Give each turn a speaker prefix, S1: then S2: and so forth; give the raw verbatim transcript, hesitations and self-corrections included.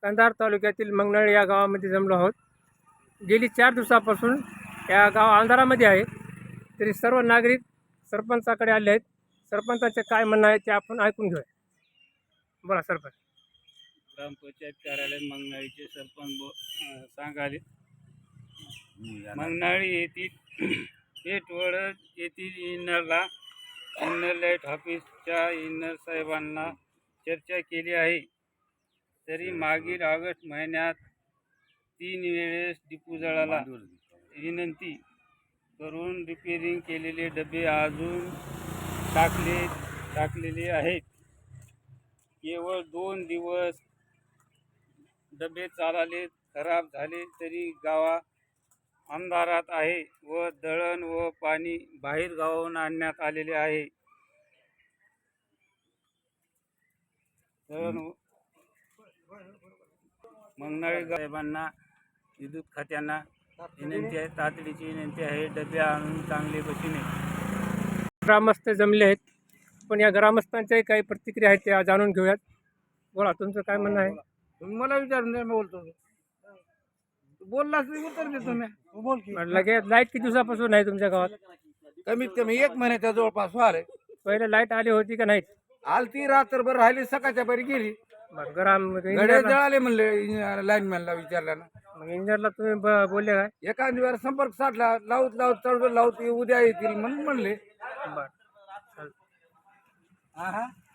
S1: कंधार तालुक्यातील मंगनळ या गावामध्ये जमलो आहोत। गेली चार दिवसापासून या गाव अंधारामध्ये आहे, तरी सर्व नागरिक सरपंचाकडे आले आहेत। सरपंचाचे काय म्हणणं आहे ते आपण ऐकून घेऊया। बोला सरपंच।
S2: ग्रामपंचायत कार्यालय मंगनाळीचे सरपंच बो सांगाले मंगनाळी येथील पेठवड येथील इनरला इनर लाईट ऑफिसच्या इनर साहेबांना चर्चा केली आहे, तरी मागील ऑगस्ट महिन्यात तीन वेळेस डिपो जळाला विनंती करून रिपेरिंग केलेले डबे अजून टाकले टाकलेले आहेत। केवळ दोन दिवस डबे चालले, खराब झाले तरी गावा अंधारात आहे व दळण व पाणी बाहेर गावाहून आणण्यात आलेले आहे। दळण मंगनाळी साहेबांना विद्युत खात्यांना विनंती आहे, तातडीची विनंती आहे, डबे आणून चांगले बसीने।
S1: ग्रामस्थ जमले आहेत, पण या ग्रामस्थांच्याही काही प्रतिक्रिया आहेत त्या जाणून घेऊयात। बोला, तुमचं काय म्हणणं आहे?
S3: तुम्ही मला विचारून मी बोलतो। बोललास मी उत्तर देतो मी। बोल की।
S1: लगेच लाईट किती दिवसापासून आहे तुमच्या गावात?
S3: कमीत कमी एक महिन्याच्या जवळपास आले।
S1: पहिले लाईट आली होती का नाही?
S3: आलती, रात्रभर राहिली, सकाळच्या परी गेली।
S1: बरं, ग्राम
S3: गडे जळाले म्हणले लाईनमॅनला विचारल्यानं।
S1: मग इंजिनियरला तुम्ही ब- बोलले काय?
S3: एखाद वेळ संपर्क साधला, लावत लावत चढवत लावत उद्या येतील म्हणून म्हणले।
S1: बरं,
S3: हा हा